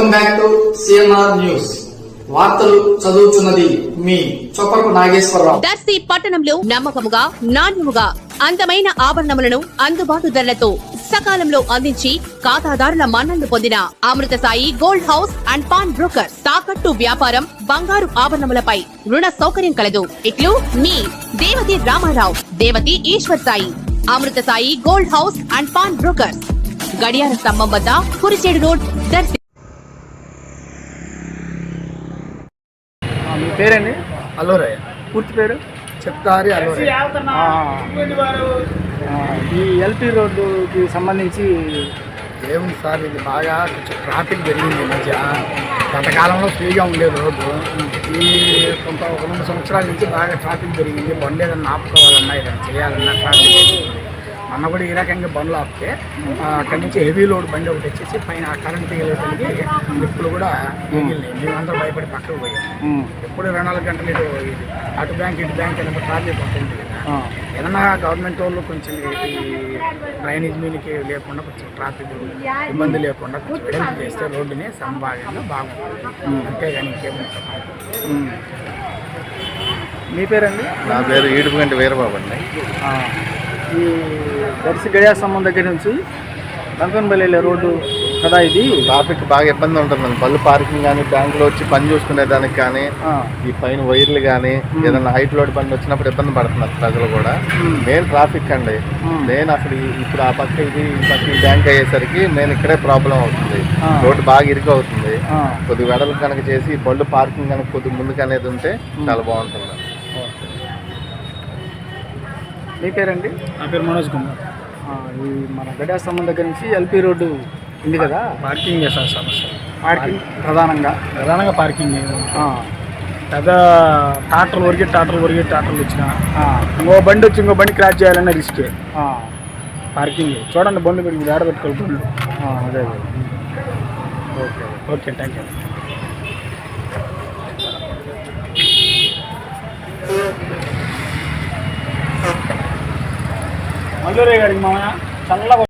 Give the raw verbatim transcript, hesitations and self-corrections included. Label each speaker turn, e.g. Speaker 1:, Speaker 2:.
Speaker 1: Welcome back to CMR news. వార్తలు చదువుతున్నది మీ చొప్పరపు నాగేశ్వరరావు.
Speaker 2: దర్శి పట్టణంలో నమ్మకముగా నాణ్యముగా అందమైన ఆభరణములను అందుబాటు ధరలతో సకాలంలో అందించి ఖాతాదారుల మన్ననలు పొందిన Amrutha Sai gold house and pawn broker. తాకట్టు వ్యాపారం, బంగారు ఆభరణములపై రుణ సౌకర్యం కలదు. ఇట్లు మీ Devathi Ramarao, Devathi Eswar Sai. Amrutha Sai gold house and pawn broker, గడియార స్తంభం వద్ద కురిచేడు రోడ్, దర్శి.
Speaker 3: మీ పేరండి?
Speaker 4: అలోరయ్య.
Speaker 3: పూర్తి పేరు?
Speaker 4: చెప్తారి అలోరయ్య.
Speaker 3: ఈ ఎల్పి రోడ్డుకి సంబంధించి
Speaker 4: ఏముంది సార్, ఇది బాగా కొంచెం ట్రాఫిక్ జరిగింది. ఈ మధ్య గతకాలంలో ఫ్రీగా ఉండేది రోడ్డు. ఈ కొంత ఒక రెండు సంవత్సరాల నుంచి బాగా ట్రాఫిక్ జరిగింది. బండి ఏదన్నా ఆపుకోవాలన్నా ఏదైనా చేయాలన్నా ట్రాఫిక్. మొన్న కూడా ఈ రకంగా బండ్లు ఆపితే అక్కడి నుంచి హెవీ లోడ్ బండి ఒకటి వచ్చేసి పైన కరెంట్ తీగలేసరికి ఇప్పుడు కూడా మిగిలినాయి. మేమందరూ భయపడి పక్కకు పోయాం. ఎప్పుడు ఇరవై నాలుగు గంటలు ఇటు అటు బ్యాంక్ ఇటు బ్యాంక్ అనేది ట్రాఫిక్ ఉంటుంది కదా. ఏదన్నా గవర్నమెంట్ వాళ్ళు కొంచెం ఈ డ్రైనేజ్ మీదకి లేకుండా కొంచెం ట్రాఫిక్ ఇబ్బంది లేకుండా కొంచెం వెడల్పు చేస్తే రోడ్డుని సంభావ్యంగా బాగుంటుంది. అంతేగాని ఇంకేముంటుంది.
Speaker 3: మీ పేరండి?
Speaker 5: నా పేరు ఈడుపుగంటి వీరబాబు అండి.
Speaker 3: ఈ దర్శి గడియార స్తంభం దగ్గర నుంచి లంకన్పల్లి వెళ్ళే రోడ్డు కదా ఇది.
Speaker 5: ట్రాఫిక్ బాగా ఇబ్బంది ఉంటుందండి. బళ్ళు పార్కింగ్ కానీ, బ్యాంకులో వచ్చి పని చూసుకునే దానికి కానీ, ఈ పైన వైర్లు కానీ ఏదైనా హైట్ లోడ్ బండి వచ్చినప్పుడు ఇబ్బంది పడుతున్నారు ప్రజలు కూడా. మెయిన్ ట్రాఫిక్ అండి. నేను అసలు ఇప్పుడు ఆ పక్క ఇది ఈ పక్క ఈ బ్యాంక్ అయ్యేసరికి నేను ఇక్కడే ప్రాబ్లం అవుతుంది. రోడ్డు బాగా ఇరుకు అవుతుంది. కొద్ది వెడలు కనుక చేసి బళ్ళు పార్కింగ్ కనుక కొద్ది ముందుకు అనేది ఉంటే చాలా బాగుంటుంది.
Speaker 3: మీ పేరండి?
Speaker 4: నా పేరు మనోజ్ కుమార్.
Speaker 3: ఈ మన గడియార స్తంభం దగ్గర నుంచి ఎల్పి రోడ్డు ఉంది కదా,
Speaker 4: పార్కింగ్ చేస్తాను సమస్య.
Speaker 3: పార్కింగ్ ప్రధానంగా
Speaker 4: ప్రధానంగా పార్కింగ్ పెద్ద టాటర్లు వరిగే టాటర్లు వరిగే టాటర్లు వచ్చిన ఇంకో బండి వచ్చి ఇంకో బండి క్రాచ్ చేయాలన్న రిస్కే. పార్కింగ్ చూడండి, బండ్లు పెట్టి మీరు ఆడబెట్టుకోవాలి బండ్లు.
Speaker 3: అదే
Speaker 4: okay okay thank you. Mallure గారికి మామయ్య చల్లగా